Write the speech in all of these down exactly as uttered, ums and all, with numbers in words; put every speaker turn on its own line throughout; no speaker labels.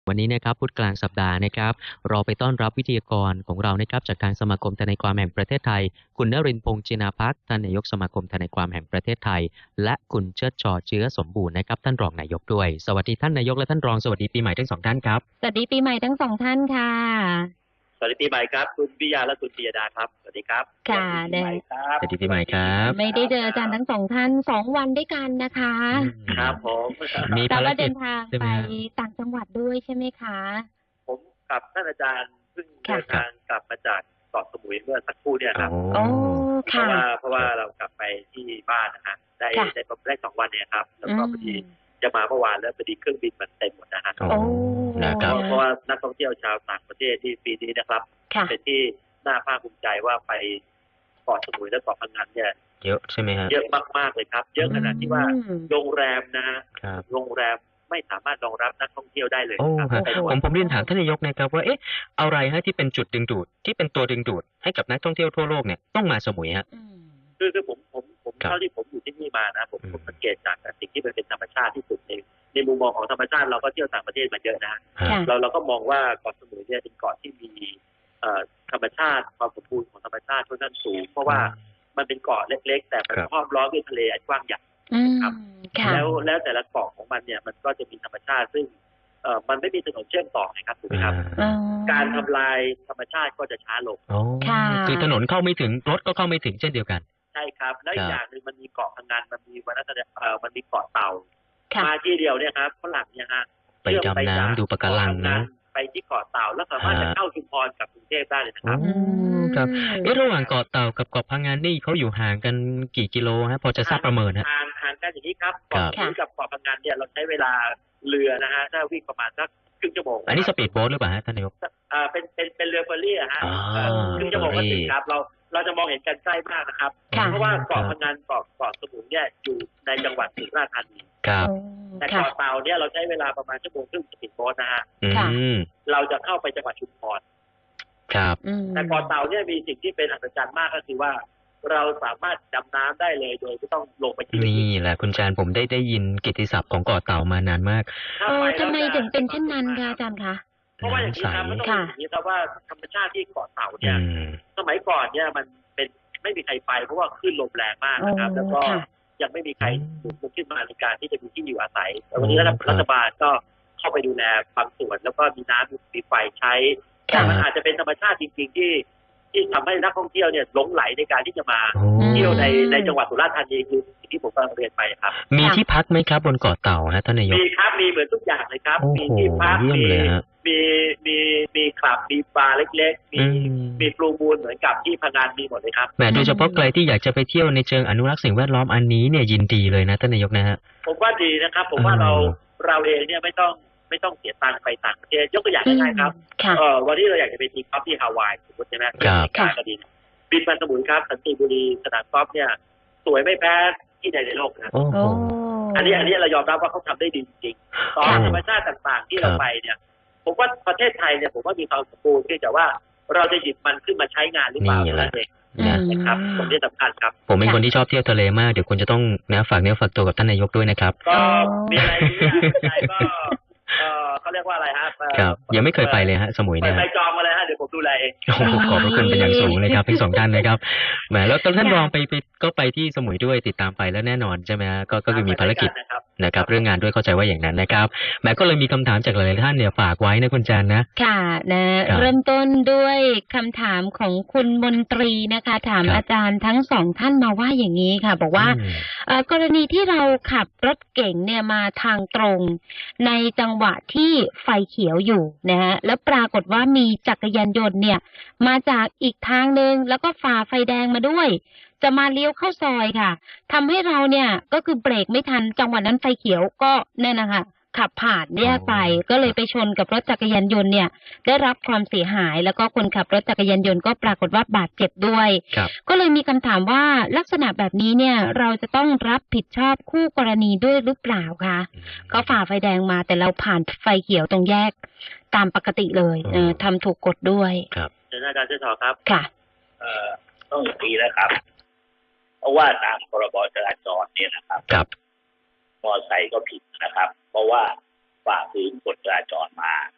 วันนี้นะครับพุธกลางสัปดาห์นะครับเราไปต้อนรับวิทยากรของเรานะครับจากทางสมาคมทนายความแห่งประเทศไทยคุณนรินทร์พงษ์จินาภักดิ์ท่านนายกสมาคมทนายความแห่งประเทศไทยและคุณเชิดชอเชื้อสมบูรณ์นะครับท่านรองนายกด้วยสวัสดีท่านนายกและท่านรองสวัสดีปีใหม่ทั้งสองท่านครับ
สวัสดีปีใหม่ทั้งสองท่านค่ะ
สวัสดีปีใหม่ครับคุณปิยาและคุณปิยดาครับสวัสดีครับ
ค่ะเดิน
สวัสดีปีใหม่ครับ
ไม่ได้เจออาจารย์ทั้งสองท่านสองวันด้วยกันนะคะ
ครับผม
มีภารกิจ
เดินทางไปต่างจังหวัดด้วยใช่ไหมคะ
ผมกับท่านอาจารย์เพิ่งเดินทางกลับมาจากเกาะสมุยเมื่อสักครู่เนี่ยครับ
โอ้
เพราะว่าเพราะว่าเรากลับไปที่บ้านนะฮะได้ได้ได้สองวันเนี่ยครับแล้วก็พอดีจะมาเมื่อวานแล้วพอดีเครื่องบินมันเต็มหมดนะฮะเพราะว่านักท่องเที่ยวชาวต่างประเทศที่ปีนี้นะครับเป็นที่น่าภาคภูมิใจว่าไปเกาะสมุยและเกาะพังงานเนี่ย
เยอะใช่ไหมฮะ
เยอะมากๆเลยครับเยอะขนาดที่ว่าโรงแรมนะฮะโรงแรมไม่สามารถรองรับนักท่องเที่ยวได้เลยครับ
ผมผมเรียนถามท่านนายกนะครับว่าเอ๊ะอะไรฮะที่เป็นจุดดึงดูดที่เป็นตัวดึงดูดให้กับนักท่องเที่ยวทั่วโลกเนี่ยต้องมาสมุยฮะ
คือคือผมผมผมเท่าที่ผมอยู่ที่นี่มานะผมผมสังเกตจากสิ่งที่มันเป็นธรรมชาติที่สุดในในมุมมองของธรรมชาติเราก็เที่ยวต่างประเทศมาเยอะนะเราเราก็มองว่าเกาะสมุยเนี่ยเป็นเกาะที่มีธรรมชาติความสมบูรณ์ของธรรมชาติค่อนข้างสูงเพราะว่ามันเป็นเกาะเล็กๆแต่มันห้อมล้อมด้วยทะเลอันกว้างใหญ่ครับแล้วแล้วแต่ละเกาะของมันเนี่ยมันก็จะมีธรรมชาติซึ่งเอ่อมันไม่มีถนนเชื่อมต่อนะครับถูกไหมครับการทำลายธรรมชาติก็จะช้าลง
คือถนนเข้าไม่ถึงรถก็เข้าไม่ถึงเช่นเดียวกัน
ใช่ครับแล้วอีกอย่างหนึ่งมันมีเกาะพังงานมันมีวัฒนธรรมเอ่อมันมีเกาะเต่ามาที่เดียวเนี่ยครับฝรั่งเนี่ยฮะ
ไปดำน้ำดูปะการังนะ
ไปที่เกาะเต่าแล้วสามารถจะเข้าชุมพรกับกรุงเทพได้เลยนะครับ
ครับเอ๊ะระหว่างเกาะเต่ากับเกาะพังงานนี่เขาอยู่ห่างกันกี่กิโลฮะพอจะทราบประเมินฮะ
ห่างห่างกันอย่างนี้ครับเกาะสมุยกับเกาะพังงานเนี่ยเราใช้เวลาเรือนะฮะถ้าวิ่งประมาณสักครึ่งชั่วโมง
อันนี้สปีดโบ๊ทหรือเปล่าฮะท่านนายก
อ่าเป็นเป็นเป็นเรือเฟอร์รี่ฮะครึ่งชั่วโมงก็ถึงครับเราเราจะมองเห็นกันใกล้มากนะครับเพราะว่าเกาะพังงานเกาะเกาะสมุยเนี่ยอยู่ในจังหวัดสุราษฎร์ธานี
ครับ
แต่เกาะเต่าเนี่ยเราใช้เวลาประมาณชั่วโมงครึ่งสปีดโบ๊ทนะฮะเราจะเข้าไปจังหวัดชุมพร
ครับ
แต่เกาะเต่าเนี่ยมีสิ่งที่เป็นอัศจรรย์มากก็คือว่าเราสามารถดำน้ำได้เลยโดยไม่ต้องลงไป
นี่แหละคุณจารย์ผมได้ได้ยินกิตติศัพท์ของเกาะเต่ามานานมาก
เออทำไมถึงเป็นเช่นนั้นคะอาจารย์คะ
เพราะว่าอย่างนี้ครับมันต้องอย่างนี้ครับว่าธรรมชาติที่เกาะเต่าเนี่ยสมัยก่อนเนี่ยมันเป็นไม่มีใครไปเพราะว่าคลื่นลมแรงมากนะครับแล้วก็ยังไม่มีใครปลุกขึ้นมาในการที่จะมีที่อยู่อาศัยแต่วันนี้รัฐบาลก็เข้าไปดูแลบางส่วนแล้วก็มีน้ำมีไฟใช้แต่มันอาจจะเป็นธรรมชาติจริงๆที่ที่ทำให้นักท่องเที่ยวเนี่ยหลงไหลในการที่จะมาเที่ยวในในจังหวัดสุราษฎร์ธานีคือสิ่งที่ผมกำลังเรียนไปครับ
มีที่พักไหมครับบนเกาะเต่าฮะท่านนายก
มีครับมีเหมือนทุกอย่างเลยครับมีที่พักมีมีมีมีคลับมีบาร์เล็กๆมีมีฟลูมูลเหมือนกับที่พังงานมีหมดเลยครับ
แหมโดยเฉพาะใครที่อยากจะไปเที่ยวในเชิงอนุรักษ์สิ่งแวดล้อมอันนี้เนี่ยยินดีเลยนะท่านนายกนะฮะ
ผมว่าดีนะครับผมว่าเราเราเองเนี่ยไม่ต้องไม่ต้องเสียตังค์ไปต่างประเทศยกตัวอย่างง่ายๆครับเออวันนี้เราอยากจะไปทีกอล์ฟที่ฮาวายสมมติใช่ไหม
ครับ
ก็ดีบินมาสมุยครับสันติบุรีสนามกอล์ฟเนี่ยสวยไม่แพ้ที่ใดในโลกนะอันนี้อันนี้เรายอมรับว่าเขาทำได้ดีจริงๆตอนธรรมชาติต่างๆที่เราไปเนี่ยผมว่าประเทศไทยเนี่ยผมว่ามีความสมบูรณ์ที่จะว่าเราจะหยิบมันขึ้นมาใช้งานหรือเปล่านั่นเองนะครับผมนี่สำคัญครับ
ผมเป็นคนที่ชอบเที่ยวทะเลมากเดี๋ยวคุณจะต้องนะฝากเนื้อฝากตัวกับท่านนายกด้วยนะครับ
ก็มีอะไรที่ก็เออเขาเรียกว่าอะไรฮะ
ครับยังไม่เคยไปเลยฮะสมุยเนี่ย
ไปจองมาเลยฮะเดี๋ยวผมดูแลเอง
ขอบพระคุณเป็นอย่างสูงเลยครับทั้งสองท่านนะครับแหมแล้วท่านรองไปไปก็ไปที่สมุยด้วยติดตามไปแล้วแน่นอนใช่ไหมฮะก็ก็คือมีภารกิจนะครับเรื่องงานด้วยเข้าใจว่าอย่างนั้นนะครับแหมก็เลยมีคำถามจากหลายท่านเนี่ยฝากไว้นะคุณจันนะ
ค่ะนะเริ่มต้นด้วยคำถามของคุณมนตรีนะคะถามอาจารย์ทั้งสองท่านมาว่าอย่างนี้ค่ะบอกว่ากรณีที่เราขับรถเก๋งเนี่ยมาทางตรงในจังหวะที่ไฟเขียวอยู่นะฮะแล้วปรากฏว่ามีจักรยานยนต์เนี่ยมาจากอีกทางนึงแล้วก็ฝ่าไฟแดงมาด้วยจะมาเลี้ยวเข้าซอยค่ะทำให้เราเนี่ยก็คือเบรกไม่ทันจังหวะนั้นไฟเขียวก็เนี่ยนะคะขับผ่านแยกไปก็เลยไปชนกับรถจักรยานยนต์เนี่ยได้รับความเสียหายแล้วก็คนขับรถจักรยานยนต์ก็ปรากฏว่าบาดเจ็บด้วยก็เลยมีคำถามว่าลักษณะแบบนี้เนี่ยเราจะต้องรับผิดชอบคู่กรณีด้วยหรือเปล่าคะก็ฝ่าไฟแดงมาแต่เราผ่านไฟเขียวตรงแยกตามปกติเลยเออทำถูกกฎด้วย
ครับ
เชิญอาจารย์เชิญต่อครับ
ค่ะ
เอ่อต้องอย่างนี้นะครับเพราะว่าตามพรบจราจรเนี่ยนะครับ
ครับ
มอไซค์ก็ผิดนะครับเพราะว่าฝ่าฝืนกฎจราจรมา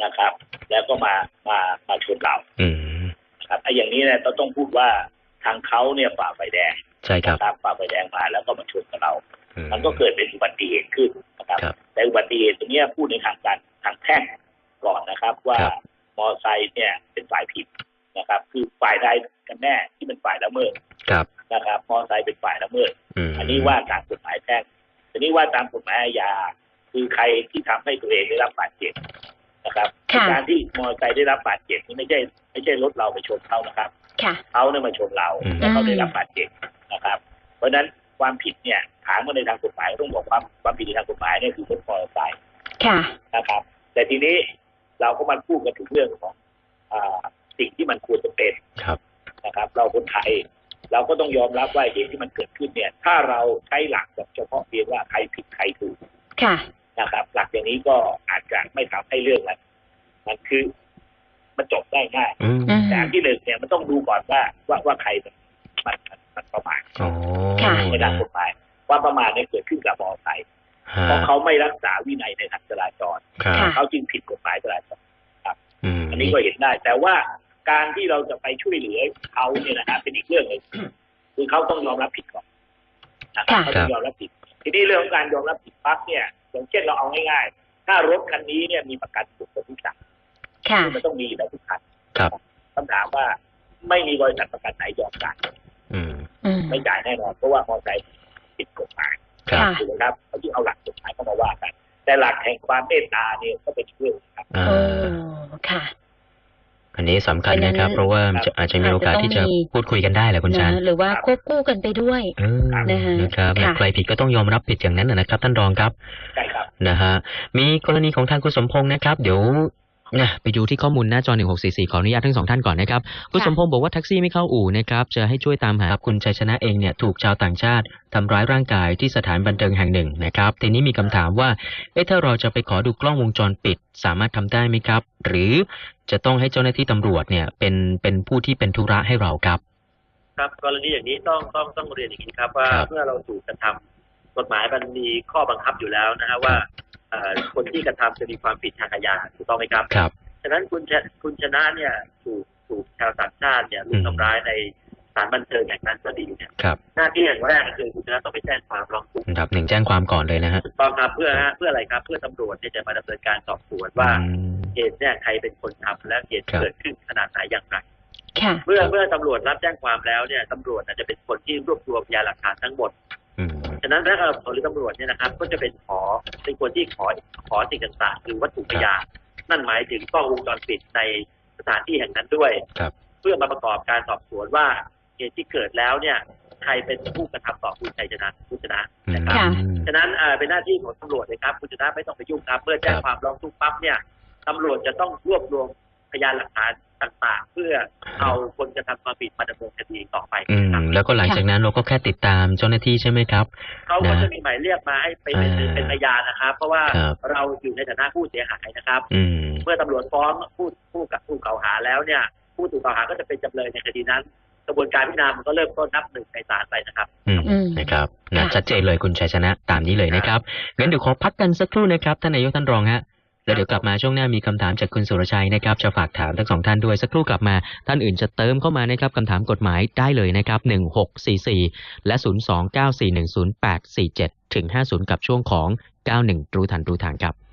นะครับ แล้วก็มามามาชนเรา
อืม
ครับไอ้อย่างนี้เนี่ยเราต้องพูดว่าทางเขาเนี่ยฝ่าไฟแดง
ใช่ครับ
ฝ่าไฟแดงมาแล้วก็มาชนกับเรา
อืม
มันก็เกิดเป็นอุบัติเหตุขึ้นนะครับ
ครับ
แต่อุบัติเหตุตรงนี้พูดในทางการทางแพ่งก่อนนะครับ ว่า
ครับ
มอเตอร์ไซค์เนี่ยเป็นฝ่ายผิดนะครับ คือฝ่ายใดกันแน่ที่เป็นฝ่ายละเมิด
ครับ
นะครับมอเตอร์ไซค์เป็นฝ่ายละเมิด
อืม
อันนี้ว่าตามกฎหมายแพ่งทีนี้ว่าตามกฎหมายอาญาคือใครที่ทำให้ตัวเองได้รับบาดเจ็บนะครับ
ค่ะ
การที่มอเตอร์ไซค์ได้รับบาดเจ็บนี่ไม่ใช่ไม่ใช่รถเราไปชนเขานะครับ
ค่ะ
เขาเนี่ยมาชนเรา
อืม
แล้วเขาได้รับบาดเจ็บนะครับ เพราะฉะนั้นความผิดเนี่ยถามมาในทางกฎหมายต้องบอกความความผิดในทางกฎหมายเนี่ยคือรถมอเตอร์ไซค์
ค่ะ
นะครับ แต่ทีนี้เราก็มาพูดกันถึงเรื่องของอ่าสิ่งที่มันควรจะเป็น
ครับ
นะครับ เราคนไทยเราก็ต้องยอมรับว่าเหตุที่มันเกิดขึ้นเนี่ย ถ้าเราใช้หลักแบบเฉพาะเพียงว่าใครผิดใครถูก
ค่ะ
นะครับ หลักอย่างนี้ก็อาจจะไม่ทำให้เรื่องมันมันคือมันจบได้ง่าย
อืม
อืม
แต่อันที่หนึ่งเนี่ยมันต้องดูก่อนว่าว่าว่าใครมันมันมันมันประมาท
อ๋อ
ค่ะ
ในทางกฎหมายว่าประมาทเนี่ยเกิดขึ้นกับมอเตอร์ไซค์
ฮะ
เพราะเขาไม่รักษาวินัยในทางจราจร
ครับ
ค่ะ
เขาจึงผิดกฎหมายจราจร
อืม
อันนี้ก็เห็นได้ แต่ว่าการที่เราจะไปช่วยเหลือเขาเนี่ยนะฮะเป็นอีกเรื่องหนึงคือเขาต้องยอมรับผิดก่อนนะครับ
ค่ะ
เขาต้องยอมรับผิด ทีนี้เรื่องของการยอมรับผิดปั๊บเนี่ยอย่างเช่นเราเอาง่ายๆถ้ารถคันนี้เนี่ยมีประกันสุขทุกอย่าง
ค่ะ
มันต้องมีอยู่แล้วทุกคัน
ครับ
คำถามว่าไม่มีบริษัทประกันไหนยอมจ่าย
อืม
อืม
ไม่จ่ายแน่นอนเพราะว่ามอเตอร์ไซค์ผิดกฎหมาย
ครับ
ค่ะ
ถูกไหมครับเขาที่เอาหลักกฎหมายเข้ามาว่ากัน แต่หลักแห่งความเมตตาเนี่ยก็เป็นเรื่องครับ
อ่า
โอ้ค่ะ
อันนี้สำคัญนะครับ เพราะว่ามันจะอาจจะมีโอกาสที่จะพูดคุยกันได้แหละคุณชาญ
นะหรือว่าควบคู่กันไปด้วย
เออ
นะคะ
นะครับ
ค่ะ
ใครผิดก็ต้องยอมรับผิดอย่างนั้นนะนะครับ ท่านรองครับ
ใช่ครับ
นะฮะมีกรณีของทางคุณสมพงษ์นะครับ เดี๋ยวนะไปดูที่ข้อมูลหน้าจอหนึ่งหกสี่สี่ขออนุญาตทั้งสองท่านก่อนนะครับคุณ
ค่ะ
สมพงษ์บอกว่าแท็กซี่ไม่เข้าอู่นะครับจะให้ช่วยตามหาคุณชัยชนะเองเนี่ยถูกชาวต่างชาติทำร้ายร่างกายที่สถานบันเทิงแห่งหนึ่งนะครับทีนี้มีคำถามว่าเอ๊ะถ้าเราจะไปขอดูกล้องวงจรปิดสามารถทำได้ไหมครับ หรือจะต้องให้เจ้าหน้าที่ตำรวจเนี่ยเป็นเป็นผู้ที่เป็นธุระให้เราครับ
ครับกรณีอย่างนี้ต้องต้องต้องเรียนอย่างนี้ครับว่า
ครับ
เมื่อเราถูกกระทำกฎหมายมันมีข้อบังคับอยู่แล้วนะฮะว่าเอ่อคนที่กระทำจะมีความผิดทางอาญาถูกต้องไหมครับ
ครับ
ฉะนั้นคุณชคุณชนะเนี่ยถูกถูกชาวต่างชาติเนี่ยรุ
อื
ม
ม
ทำร้ายในสถานบันเทิงแห่งนั้นก็ดีเนี่ย
ครับ
หน้าที่อย่างแรกก็คือคุณชนะต้องไปแจ้งความร้องทุกข์
อันดับหนึ่งแจ้งความก่อนเลยนะฮะ
ถูกต้องครับเพื่อฮะเพื่ออะไรครับเพื่อตำรวจเนี่ยจะมาดำเนินการสอบสวนว่า
อืม
เหตุเนี่ยใครเป็นคนทำและเหตุ
ครับ
เกิดขึ้นขนาดไหนอย่างไร
ค่ะ
เมื่อ
ครับ
เมื่อตำรวจรับแจ้งความแล้วเนี่ยตำรวจน่ะจะเป็นคนที่รวบรวมพยานหลักฐานทั้งหมด
อืม
ฉะนั้นพนักงานสอบสวนหรือตำรวจเนี่ยนะครับ ก็จะเป็นขอเป็นคนที่ขอขอสิ่งต่างๆคือวัตถุพยานนั่นหมายถึงกล้องวงจรปิดในสถานที่แห่งนั้นด้วย
ครับ
เพื่อมาประกอบการสอบสวนว่าเหตุที่เกิดแล้วเนี่ยใครเป็นผู้กระทำต่อคุณชัยชนะคุณชนะนะครับ
ค่ะ
ฉะนั้นอ่าเป็นหน้าที่ของตำรวจเลยครับคุณชนะไม่ต้องไปยุ่งครับเมื่อแจ้ง
ครับ
ความร้องทุกข์ปั๊บเนี่ยตำรวจจะต้องรวบรวมพยานหลักฐานต่างๆ เพื่อเอาคนกระทำความผิดมาดำเนินคดีต่อไป
อื
ครับ
มแล้วก็หลังจากนั้นเราก็แค่ติดตามเจ้าหน้าที่ใช่ไหมครับ
เขาก็
นะ
จะมีหมายเรียกมาให้ไปเป็น
อ่า
เป็นพยานนะครับ เพราะว่า
ครับ
เราอยู่ในฐานะผู้เสียหายนะครับ
อืม
เมื่อตำรวจฟ้องผู้ผู้กับผู้กล่าวหาแล้วเนี่ย ผู้ถูกกล่าวหาก็จะเป็นจำเลยในคดีนั้น กระบวนการพิจารณามันก็เริ่มต้นนับหนึ่งในศาลไปนะครับ
อืม
อืม
นะครับนะ
ค่ะ
ชัดเจนเลยคุณชัยชนะตามนี้เลยนะครับงั้นเดี๋ยวขอพักกันสักครู่นะครับท่านนายกท่านรองฮะแล้วเดี๋ยวกลับมาช่วงหน้ามีคำถามจากคุณสุรชัยนะครับจะฝากถามทั้งสองท่านด้วยสักครู่กลับมาท่านอื่นจะเติมเข้ามานะครับคำถามกฎหมายได้เลยนะครับหนึ่งหกสี่สี่และศูนย์สองเก้าสี่หนึ่งศูนย์แปดสี่เจ็ดถึงห้าศูนย์กับช่วงของเก้าหนึ่งรู้ทันรู้ทางครับ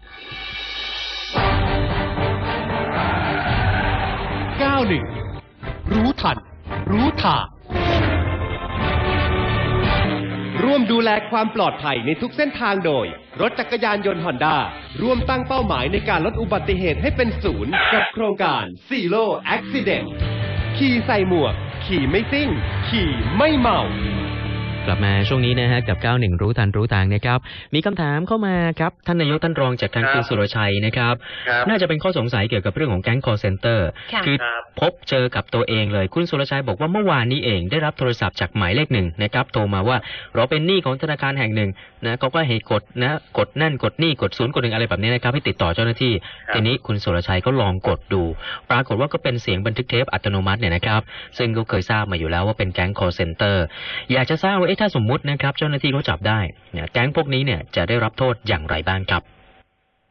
เก้าหนึ่งรู้ทัน รู้ทางร่วมดูแลความปลอดภัยในทุกเส้นทางโดย รถจักรยานยนต์ฮอนด้าร่วมตั้งเป้าหมายในการลดอุบัติเหตุให้เป็นศูนย์กับโครงการ Zero Accident ขี่ใส่หมวก ขี่ไม่ซิ่ง ขี่ไม่เมา
กลับมาช่วงนี้นะฮะกับเก้าหนึ่งรู้ทันรู้ทางนะครับมีคำถามเข้ามาครับท่านนายกท่านรองจากทาง
ครับ
คุณสุรชัยนะครับ
ครับ
น่าจะเป็นข้อสงสัยเกี่ยวกับเรื่องของแก๊ง call center
ค่ะ
คือ
ครับ
พบเจอกับตัวเองเลยคุณสุรชัยบอกว่าเมื่อวานนี้เองได้รับโทรศัพท์จากหมายเลขหนึ่งนะครับโทรมาว่าเราเป็นหนี้ของธนาคารแห่งหนึ่งนะเขาก็ให้กดนะกดนั่นกดนี่กดศูนย์กดหนึ่งอะไรแบบนี้นะครับให้ติดต่อเจ้าหน้าที่
ครับ
ทีนี้คุณสุรชัยก็ลองกดดู ปรากฏว่าก็เป็นเสียงบันทึกเทปอัตโนมัติเนี่ยนะครับซึ่งก็เคยทราบมาอยู่แล้วว่าเป็นแก๊ง call center อยากจะทราบว่าเอ๊ะถ้าสมมุตินะครับเจ้าหน้าที่เขาจับได้เนี่ยแก๊งพวกนี้เนี่ยจะได้รับโทษอย่างไรบ้างครับ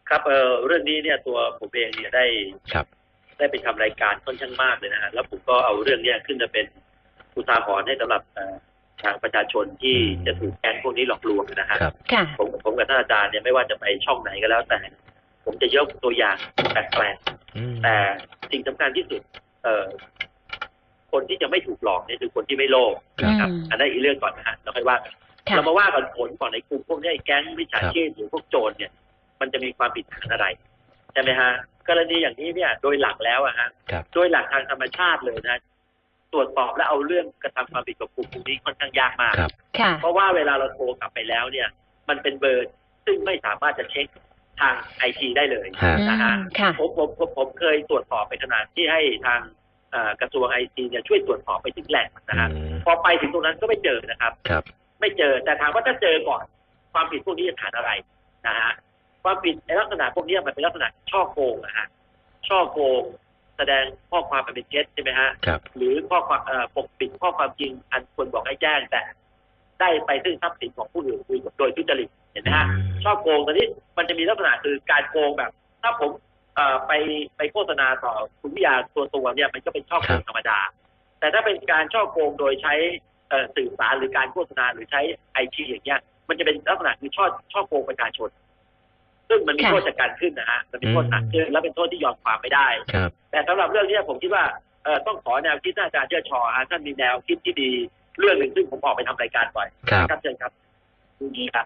ครับเออเรื่องนี้เนี่ยตัวผมเองเนี่ยได้ครับได้ไปทำรายการค่อนข้างมากเลยนะฮะแล้วผมก็เอาเรื่องนี้ขึ้นมาเป็นอุทาหรณ์ให้สำหรับทางประชาชนที่จะถูกแก๊งพวกนี้หลอกลวงนะฮะผมผมกับท่านอาจารย์เนี่ยไม่ว่าจะไปช่องไหนก็แล้วแต่ผมจะยกตัวอย่างแปลกๆแต่สิ่งสำคัญที่สุดเอ่อคนที่จะไม่ถูกหลอกนี่คือคนที่ไม่โลภนะครับอันนั้นอีกเรื่องก่อนนะฮะเราค่อยว่ากันเรามาว่ากันผลก่อนในกลุ่มพวกนี้ไอ้แก๊งมิจฉาชีพหรือพวกโจรเนี่ยมันจะมีความผิดฐานอะไรใช่ไหมฮะกรณีอย่างนี้เนี่ยโดยหลักแล้วอะฮะโดยหลักทางธรรมชาติเลยนะตรวจสอบและเอาเรื่องกระทำความผิดกับกลุ่มพวกนี้ค่อนข้างยากมากเพราะว่าเวลาเราโทรกลับไปแล้วเนี่ยมันเป็นเบอร์ซึ่งไม่สามารถจะเช็คทางไอทีได้เลยนะฮะผมผมผมผมเคยตรวจสอบไปขนาดที่ให้ทางกระทรวงไอทีเนี่ยช่วยตรวจสอบไปถึงแหล่งนะฮะพอไปถึงตรงนั้นก็ไม่เจอนะครับไม่เจอแต่ถามว่าถ้าเจอก่อนความผิดพวกนี้จะฐานอะไรนะฮะความผิดในลักษณะพวกนี้มันเป็นลักษณะช่อโกงนะฮะช่อโกงแสดงข้อความเป็นเท็จใช่ไหมฮะหรือข้อความปกปิดข้อความจริงอันควรบอกให้แจ้งแต่ได้ไปซึ่งทรัพย์สินของผู้อื่นโดยทุจริตเห็นไหมฮะช่อโกงตอนนี้มันจะมีลักษณะคือการโกงแบบถ้าผมไปไปโฆษณาต่อคุณวิทยาตัวตัวเนี่ยมันก็เป็นช่อโกงธรรมดาแต่ถ้าเป็นการช่อโกงโดยใช้สื่อสารหรือการโฆษณาหรือใช้ไอทีอย่างเงี้ยมันจะเป็นลักษณะคือช่อช่อโกงประชาชนซึ่งมันมีโทษจากการขึ้นนะฮะมันมีโทษหนักขึ้นและเป็นโทษที่ยอมความไม่ได้แต่สำหรับเรื่องนี้ผมคิดว่าเอ่อต้องขอแนวคิดอาจารย์เชิดชอท่านมีแนวคิดที่ดีเรื่องหนึ่งซึ่งผมออกไปทำรายการบ่อยครับเชิญครับ
ดูนี้ครับ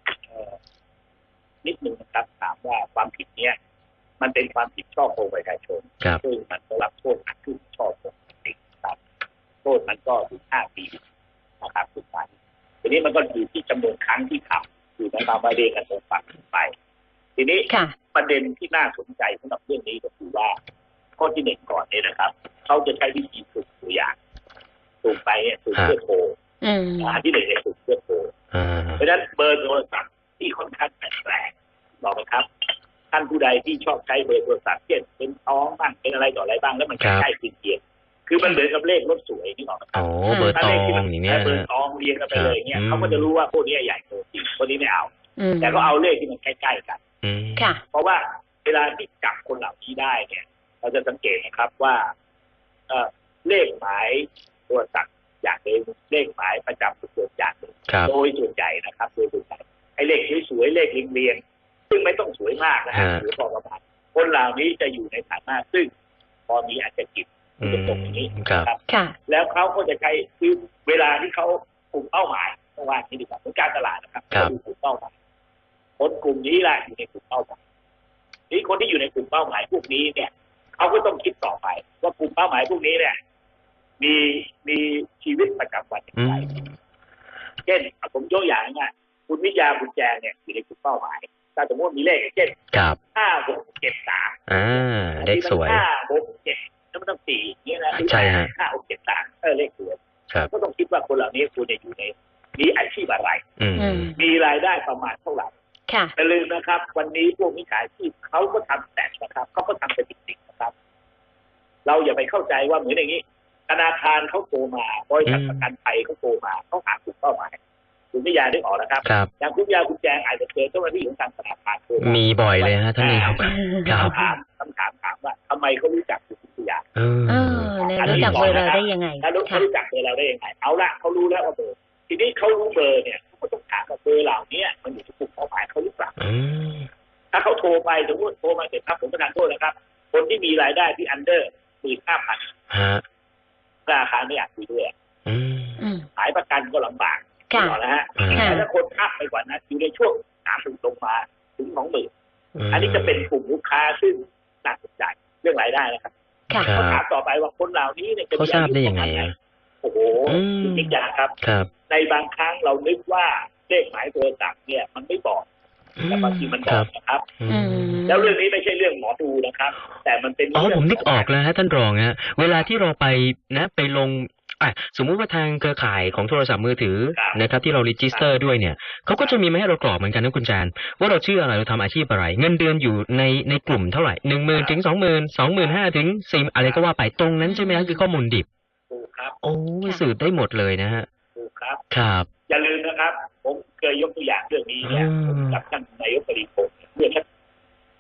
นิดหนึ่งนะครับถามว่าความผิดเนี้ยมันเป็นความผิดช่อโกงประชาชนซึ่งมันก็รับโทษหนักขึ้นช่อโกงติดครับโทษมันก็ถึงห้าปีนะครับสุดท้ายทีนี้มันก็อยู่ที่จำนวนครั้งที่ทำอยู่ในตามประเด็นกันตรงฝั่งไปทีนี้ประเด็นที่น่าสนใจสำหรับเรื่องนี้ก็คือว่าข้อที่หนึ่งก่อนเนี่ยนะครับเขาจะใช้วิธีสุ่มตัวอย่างสุ่มไปเนี่ยสุ่มเพื่อโทรอันที่หนึ่งเนี่ยสุ่มเพื่อโทรเพราะฉะนั้นเบอร์โทรศัพท์ที่ค่อนข้างแปลกๆบอกไหมครับท่านผู้ใดที่ชอบใช้เบอร์โทรศัพท์เช่นเป็นท้องบ้างเป็นอะไรต่ออะไรบ้างแล้วมันใกล้ๆเคียงคือมันเหมือนกับเลขรถสวยนี่บอกไหมครับ
เบอร์ตองอย่างเงี้ย
เบอร์ตองเรียงกันไปเลยเนี่ยเขาก็จะรู้ว่าพวกนี้ใหญ่โตจริงพวกนี้ไม่เอาแต่ก็เอาเลขที่มันใกล้ๆกันเพราะว่าเวลาที่จับคนเหล่านี้ได้เนี่ยเราจะสังเกตนะครับว่าเอ่อเลขหมายโทรศัพท์อย่างหนึ่งเลขหมายประจำตัวอย่างหนึ่งโดยส่วนใหญ่นะครับโดยส่วนใหญ่ไอ้เลขสวยๆเลขเรียงๆซึ่งไม่ต้องสวยมากนะฮะหรือพอประมาณคนเหล่านี้จะอยู่ในฐานะซึ่งพอมีอาจจะจิตเป็นตรงนี้นะครับแล้วเขาก็จะใช้คือเวลาที่เขากลุ่มเป้าหมายเพราะว่าที่ดีกว่าเป็นการตลาดนะครับเขาดูกลุ่มเป้าหมายคนกลุ่มนี้แหละอยู่ในกลุ่มเป้าหมายนี่คนที่อยู่ในกลุ่มเป้าหมายพวกนี้เนี่ยเขาก็ต้องคิดต่อไปว่ากลุ่มเป้าหมายพวกนี้เนี่ยมีมีชีวิตประจำวันอย่างไรเช่นผมยกอย่างง่ายคุณวิทยาคุณแจงเนี่ยอยู่ในกลุ่มเป้าหมายถ้าสมมติมีเลขเช่นห้าหกเจ็ดสาม
อ่าเลขสวย
ห้าหกเจ็ดแล้วมันต้องสี่นี่นะ
ใช่ฮะ
ห้าหกเจ็ดสามเออเลขสวยก็ต้องคิดว่าคนเหล่านี้คุณจะอยู่ในมีอาชีพอะไรมีรายได้ประมาณเท่าไหร่อย่าลืมนะครับวันนี้พวกมิจฉาชีพเขาก็ทำแต่นะครับเขาก็ทำเป็นจริงๆนะครับเราอย่าไปเข้าใจว่าเหมือนอย่างนี้ธนาคารเขาโทรมาบริษัทประกันภัยเขาโทรมาเขาหากลุ่มเป้าหมายคุณวิทยาได้ออกนะครับอย่างคุณวิทยาคุณแจงอาจจะเจอเจ้าหน้าที่ของทางธนาคารโทรมา
มีบ่อยเลยฮะท่านนี้ครับ
คำถามคำถามถามว่าทำไมเขารู้จักคุณวิทยา
เออรู้จักเบอร์เราได้ยังไง
เขารู้จักเบอร์เราได้ยังไงเอาละเขารู้แล้วว่าเบอร์ทีนี้เขารู้เบอร์เนี่ยก็ต้องถามว่าเบอร์เหล่านี้มันอยู่ที่กลุ่มเป้าหมายเขาหรือเปล่าถ้าเขาโทรไปสมมติโทรมาเสร็จครับผมประทานโทษนะครับคนที่มีรายได้ที่อันเดอร์หมื่นห้าพันธนาคารไม่อยากคุยด้วยขายประกันก็ลำบากต่อแล้วฮะแต่ถ้าคนอัพไปกว่านั้นอยู่ในช่วงสามถึงลงมาถึงสองหมื่นอันนี้จะเป็นกลุ่มลูกค้าซึ่งน่าสนใจเรื่องรายได้นะครับเขาถามต่อไปว่าคนเหล่านี้เนี่ย
เขาทราบได้ยังไง
โอ้โหจริงๆอย่างครับในบางครั้งเรานึกว่าเลขหมายโทรศัพท์เนี่ยมันไม่บอกแต่บางทีมันบอกนะครับแล้วเรื่องนี้ไม่ใช่เรื่องหมอดูนะครับแต่มันเป็น
อ๋อผมนึกออกแล้วฮะท่านรองฮะเวลาที่เราไปนะไปลงอ่ะสมมุติว่าทางเครือข่ายของโทรศัพท์มือถือนะครับที่เรารีจิสเตอร์ด้วยเนี่ยเขาก็จะมีมาให้เรากรอกเหมือนกันนะคุณจานว่าเราชื่ออะไรเราทำอาชีพอะไรเงินเดือนอยู่ในในกลุ่มเท่าไหร่หนึ่งหมื่นถึงสองหมื่นสองหมื่นห้าถึงสี่อะไรก็ว่าไปตรงนั้นใช่ไหมครับคือข้อมูลดิบ
ถูกครับ
โอ้สืบได้หมดเลยนะฮะ
ถูกครับ
ครับ
อย่าลืมนะครับผมเคยยกตัวอย่างเรื่องนี้เนี่ยกับท่านนายกปริพงศ์เมื่อสัก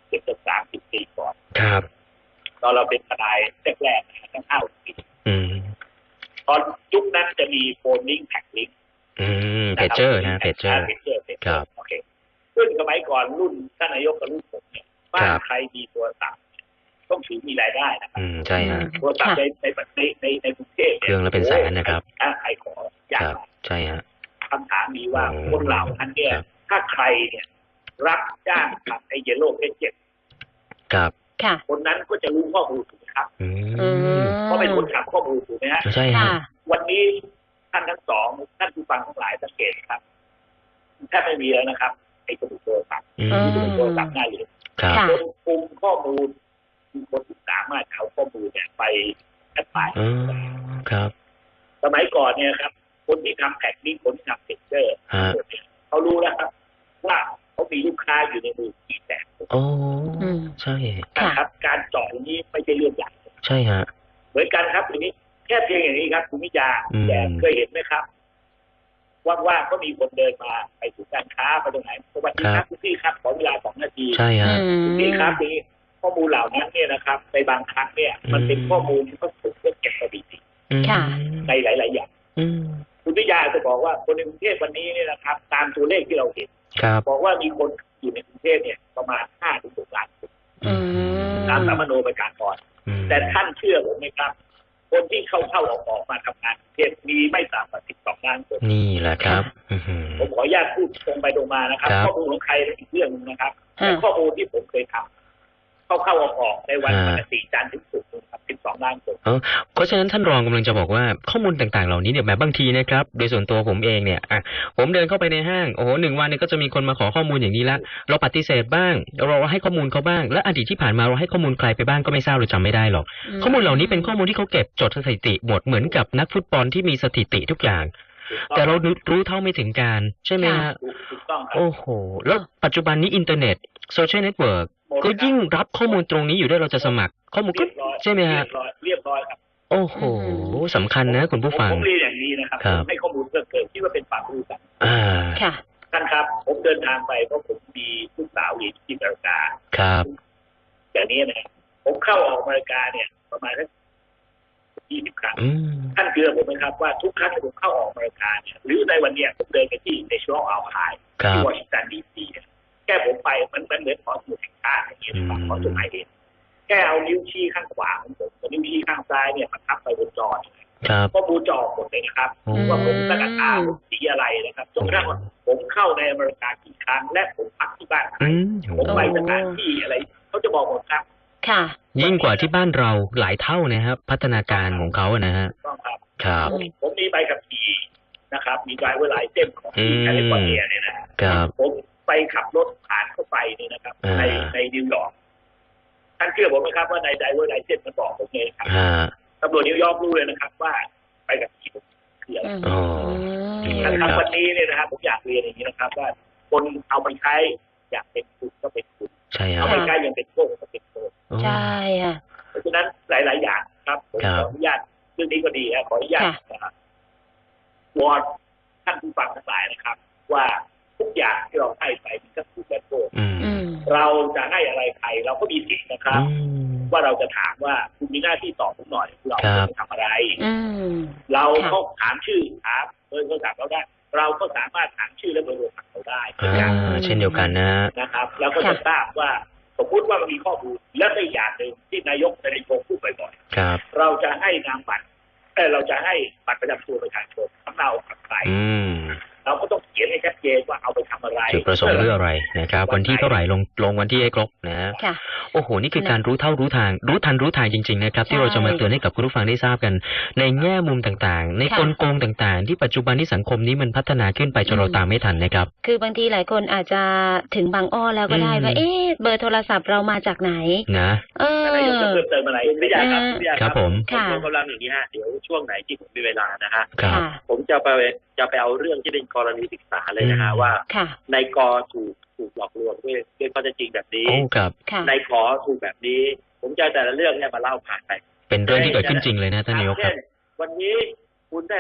ครับ
ตอนเราเป็นทนายแรกๆตั้งห้าปีตอนยุคนั้นจะมีโฟนลิงก์แท็กลิงก์
เพจเจอร์นะเพจเจอร์
ครับโอเคซึ่งสมัยก่อนรุ่นท่านนายกกับรุ่นผมเนี่ยบ้านใครมีโทรศัพท์ต้องถือมีรายได้นะครับ
ใช่ฮะ
โทรศัพท์ในในในในในกรุงเทพ
เครื่องละเป็นแสนนะครับ
ถ้าใครขอยาก
ใช่ฮะ
คำถามมีว่าคนเหล่านั้นเนี่ยถ้าใครเนี่ยรับจ้างทำไอ้เยลโล่เพจเจ็ด
ครับ
คนนั้นก็จะรู้ข้อมูลถูกไหมครับเพราะเป็นคนทำข้อมูลถูกไหมฮะ
ใช่ฮะ
วันนี้ท่านทั้งสองท่านผู้ฟังทั้งหลายสังเกตครับแทบไม่มีแล้วนะครับไอ้สมุดโทรศัพท์สมุดโทรศัพท์ได้เลยคนคุมข้อมูลมีคนที่สามารถเอาข้อมูลเนี่ยไปแอปพลาย
ครับ
สมัยก่อนเนี่ยครับคนที่ทำแท็กนี้คนที่ทำเพจเจอร์เขารู้แล้วครับว่าเขามีลูกค้าอยู่ในมือกี่แสน
โอ้ใช่
ครับการเจาะอย่างนี้ไม่ใช่เรื่องใหญ่
ใช่ฮะ
เหมือนกันครับทีนี้แค่เพียงอย่างนี้ครับคุณวิจารณ์แต่เคยเห็นไหมครับว่างๆก็มีคนเดินมาไปสู่การค้าไปตรงไหนสวัสดีครับคุณพี่ครับขอเวลาสองนาที
ใช่ฮะ
คุณพี่ครับนี่ข้อมูลเหล่านั้นเนี่ยนะครับในบางครั้งเนี่ยมันเป็นข้อมูลที่เขาถูกเก็บสถิติในหลายๆอย่างคุณวิทยาจะบอกว่าคนในกรุงเทพวันนี้เนี่ยนะครับตามตัวเลขที่เราเห็นบอกว่ามีคนอยู่ในกรุงเทพเนี่ยประมาณห้าถึงหกล้านคนตามสามโนประกาศก่อนแต่ท่านเชื่อผมไหมครับคนที่เข้าเข้าออกออกมาทำงานเทศมีไม่ต่ำกว่าสิบสองล้านคน
นี่แหละครับ
ผมขออนุญาตพูดตรงไปตรงมานะครับข้อมูลของใครอีกเรื่องนึงนะครับแต่ข้อมูลที่ผมเคยทำเข้าเข้าออกออกในวันปกติจันทร์ถึงศุกร์ครับสิบสองล้านคน
เพราะฉะนั้นท่านรองกำลังจะบอกว่าข้อมูลต่างๆเหล่านี้เนี่ยแบบบางทีนะครับโดยส่วนตัวผมเองเนี่ยอ่ะผมเดินเข้าไปในห้างโอ้โหหนึ่งวันเนี่ยก็จะมีคนมาขอข้อมูลอย่างนี้ละเราปฏิเสธบ้างเราให้ข้อมูลเขาบ้างและอดีตที่ผ่านมาเราให้ข้อมูลใครไปบ้างก็ไม่ทราบเราจำไม่ได้หรอกข้อมูลเหล่านี้เป็นข้อมูลที่เขาเก็บจดสถิติหมดเหมือนกับนักฟุตบอลที่มีสถิติทุกอย่างแต่เรารู้เท่าไม่ถึงการใช่ไหมฮะโอ้โหแล้วปัจจุบันนี้อินเทอร์เน็ตโซเชียลเน็ตเวิร์กก็ยิ่งรับข้อมูลตรงนี้อยู่ด้วยเราจะสมัครข้อมูลก็ใช่ไหมฮะ
เรียบร้อยครับ
โอ้โหสำคัญนะคุณผู้ฟัง
ผมเรียนอย่างนี้นะครับให้ข้อมูลเพิ่มเติมที่ว่าเป็นความรู้กัน
อ่า
ค่ะ
ท่านครับผมเดินทางไปเพราะผมมีลูกสาวอยู่ที่อเมริกา
ครับ
อย่างนี้นะผมเข้าออกอเมริกาเนี่ยประมาณสักยี่สิบครั้งท่านเชื่อผมไหมครับว่าทุกครั้งที่ผมเข้าออกอเมริกาเนี่ยหรือในวันเนี้ยผมเดินไปที่ในช่วงอัลไฮที่วอชิงตันดีซีแค่ผมไปมันมันเหมือนขอสมุดแห่งชาติอย่างนี้นะครับขอจดหมายเหตุแค่เอานิ้วชี้ข้างขวาของผมกับนิ้วชี้ข้างซ้ายเนี่ยมันทับไปบนจอก็บูจอหมดเลยนะครับว่าผมกระดาษตาสีอะไรนะครับจนกระทั่งผมเข้าในอเมริกากี่ครั้งและผมพักที่บ้านผมไปสถานที่อะไรเขาจะบอกหมดครับ
ค่ะ
ยิ่งกว่าที่บ้านเราหลายเท่านะครับพัฒนาการของเขานะฮะ
ต้องครับ
ครับ
ผมมีใบขับขี่นะครับมีไดรเวอร์ไลเซนส์ของแคลิฟอร์เนียเนี่ยนะครับผมไปขับรถผ่านเข้าไปเนี่ยนะครับในในนิวยอร์กท่านเชื่อผมไหมครับว่าในไดรเวอร์ไลเซนส์มันบอกผมเลยครับตำรวจนิวยอร์กรู้เลยนะครับว่าไปกับขี่คืออะไรท่านครับวันนี้เนี่ยนะครับผมอยากเรียนอย่างนี้นะครับว่าคนเอาไปใช้อยากเป็นคุณก็เป็นคุณเอาไปใช้ยังเป็นโก้ก็เป็นโก้
ใช่ค่ะ
เพราะฉะนั้นหลายๆอย่างครับผมขออนุญาตเรื่องนี้ก็ดีครับขออนุญาตนะครับวอนท่านผู้ฟังทั้งหลายนะครับว่าทุกอย่างที่เราให้ไปมันก็ถูกและโทษเราจะให้อะไรใครเราก็มีสิทธิ์นะครับว่าเราจะถามว่าคุณมีหน้าที่ตอบผมหน่อยเราจะทำอะไรเราเขาถามชื่อถามเบอร์โทรศัพท์เราได้เราก็สามารถถามชื่อและเบอร์โทรศัพท์เราได้
เช่นเดียวกันนะ
นะครับแล้วก็จะทราบว่าสมมติว่ามันมีข้อมูลและในอย่างหนึ่งที่นายกนายกพูดบ่อยๆเราจะให้นามบัตรแต่เราจะให้บัตรประจำตัวประชาชนสำเนากับใครเราก็ต้องเขียนให้ชัดเจนว่าเอาไปทำอะไร
จุดประสงค์เรื่องอะไรนะครับวันที่เท่าไหร่ลงลงวันที่ให้ครบนะโอ้โหนี่คือการรู้เท่ารู้ทางรู้ทันรู้ทางจริงๆนะครับที่เราจะมาเตือนให้กับคุณผู้ฟังได้ทราบกันในแง่มุมต่างๆในกลโกงต่างๆที่ปัจจุบันที่สังคมนี้มันพัฒนาขึ้นไปจนเราตามไม่ทันนะครับ
คือบางทีหลายคนอาจจะถึงบางอ้อแล้วก็ได้ว่าเอ๊ะเบอร์โทรศัพท์เรามาจากไหน
นะ
เออ
อะไรจะเพิ่มเติมอะไรไม่อยากครับไม่อยาก
ครับผม
ผมกำลังอย่างนี้ฮะเดี๋ยวช่วงไหนที่ผมมีเวลานะฮะผมจะไปจะไปเอาเรื่องที่เป็นกรณีศึกษาเลยนะฮะว่าในกอถูกถูกหลอกลวงด้วยด้วยข้อเท็จจริงแบบนี้ในขอถูกแบบนี้ผมจะแต่ละเรื่องเนี่ยมาเล่าผ่านไป
เป็นเรื่องที่เกิดขึ้นจริงเลยนะท่านนายกครับ
วันนี้คุณได้รับ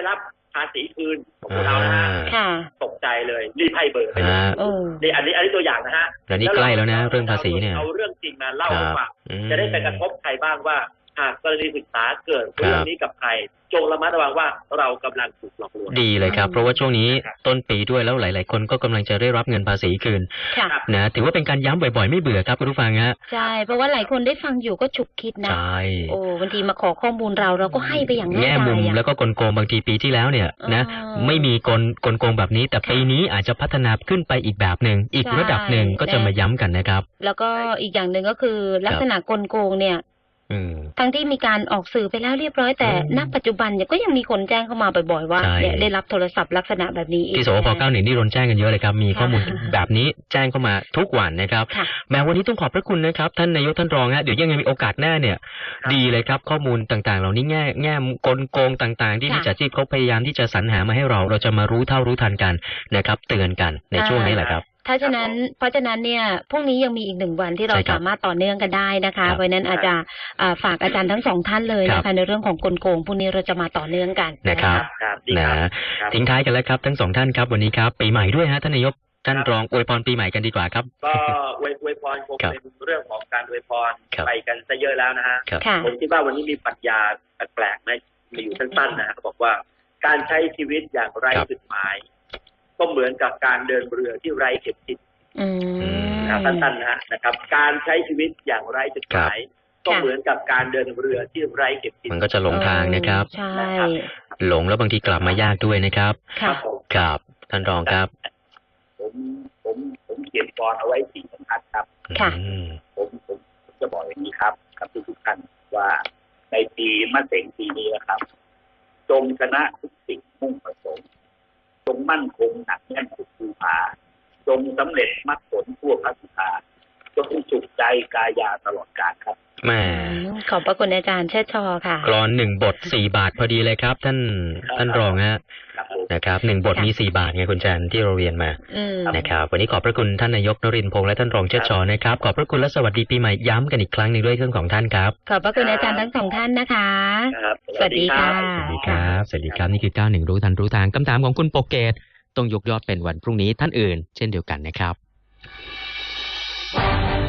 ภาษีคืนของพวกเรานะฮะตกใจเลยรีบให้เบอร์ไปเลยนี่อันนี้อันนี้ตัวอย่างนะฮะ
แล้วนี่ใกล้แล้วนะเรื่องภาษีเนี่ย
เอาเรื่องจริงมาเล่าให้ฟังจะได้ไปกระทบใครบ้างว่าหากกรณีศึกษาเกิดเรื่องนี้กับใครจงระมัดระวังว่าเรากำลังถูกหลอกลวง
ดีเลยครับเพราะว่าช่วงนี้ต้นปีด้วยแล้วหลายๆคนก็กำลังจะได้รับเงินภาษีคืนนะถือว่าเป็นการย้ำบ่อยๆไม่เบื่อครับคุณผู้ฟังฮะ
ใช่เพราะว่าหลายคนได้ฟังอยู่ก็ฉุกคิดนะ
ใช่
โอ้บางทีมาขอข้อมูลเราเราก็ให้ไปอย่างง่ายๆ
แง่มุมแล้วก็กลโกงบางทีปีที่แล้วเนี่ยนะไม่มีกลกลโกงแบบนี้แต่ปีนี้อาจจะพัฒนาขึ้นไปอีกแบบหนึ่งอีกระดับหนึ่งก็จะมาย้ำกันนะครับ
แล้วก็อีกอย่างหนึ่งก็คือลักษณะกลโกงเนี่ยทั้งที่มีการออกสื่อไปแล้วเรียบร้อยแต่ณปัจจุบันเนี่ยก็ยังมีคนแจ้งเข้ามาบ่อยๆว่าเนี่ยได้รับโทรศัพท์ลักษณะแบบนี้
ที่สวพเก้าหนึ่งนี่โดนแจ้งกันเยอะเลยครับมีข้อมูลแบบนี้แจ้งเข้ามาทุกวันนะครับแม้วันนี้ต้องขอบพระคุณนะครับท่านนายกท่านรองฮะเดี๋ยวยังมีโอกาสหน้าเนี่ยดีเลยครับข้อมูลต่างๆเหล่านี้แง่แง่กลโกงต่างๆที่มิจฉาชีพเขาพยายามที่จะสรรหามาให้เราเราจะมารู้เท่ารู้ทันกันนะครับเตือนกันในช่วงนี้แหละครับ
ถ้าฉะนั้นเพราะฉะนั้นเนี่ยพรุ่งนี้ยังมีอีกหนึ่งวันที่เราสามารถต่อเนื่องกันได้นะคะเพราะนั้นอาจจะฝากอาจารย์ทั้งสองท่านเลยนะคะในเรื่องของกลโกงพรุ่งนี้เราจะมาต่อเนื่องกัน
นะครับนะทิ้งท้ายกันแล้วครับทั้งสองท่านครับวันนี้ครับปีใหม่ด้วยฮะท่านนายกท่านรองอวยพรปีใหม่กันดีกว่าครับ
ก็อวยอวยพรคงเป็นเรื่องของการอวยพรไปกันซะเยอะแล้วนะฮะผมคิดว่าวันนี้มีปรัชญาแปลกๆนะมีอยู่สั้นๆนะเขาบอกว่าการใช้ชีวิตอย่างไร้จุดหมายก็เหมือนกับการเดินเรือที่ไร้เข็มทิศนะครับสั้นๆนะนะครับการใช้ชีวิตอย่างไร้จุดหมายก็เหมือนกับการเดินเรือที่ไร้เข็มทิศ
มันก็จะหลงทางนะครับ
ใช่
หลงแล้วบางทีกลับมายากด้วยนะครับครับท่านรองครับ
ผมผมผมเขียนกรเอาไว้สี่บรรทัดครับ
ค่ะ
ผมผมจะบอกอย่างนี้ครับกับทุกท่านว่าในปีมะเสงปีนี้นะครับจงชนะทุกสิ่งมุ่งประสงค์จงมั่นคงหนักแน่นสุดภูผาจงสำเร็จมรรคผลทั่วพระสุธาจงสุขใจกายาตลอดกาลครับ
แม่
ขอบพระคุณอาจารย์เชิดชอค่ะ
กลอนหนึ่งบทสี่บาทพอดีเลยครับท่านท่านรองฮะนะครับหนึ่งบทมีสี่บาทไงคุณจันที่เราเรียนมานะครับวันนี้ขอบพระคุณท่านนายกนรินทร์พงษ์และท่านรองเชิดชอนะครับขอบพระคุณและสวัสดีปีใหม่ย้ำกันอีกครั้งหนึ่งด้วยเรื่องของท่านครับ
ขอบพระคุณอาจารย์ทั้งสองท่านนะคะสวัสดีค่ะ
สวัสดีครับสวัสดีครับนี่คือเก้าหนึ่งรู้ทันรู้ทางคำถามของคุณโปเกตต้องยกยอดเป็นวันพรุ่งนี้ท่านอื่นเช่นเดียวกันนะครับ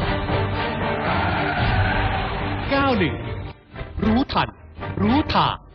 เก้าหนึ่งรู้ทันรู้ทาง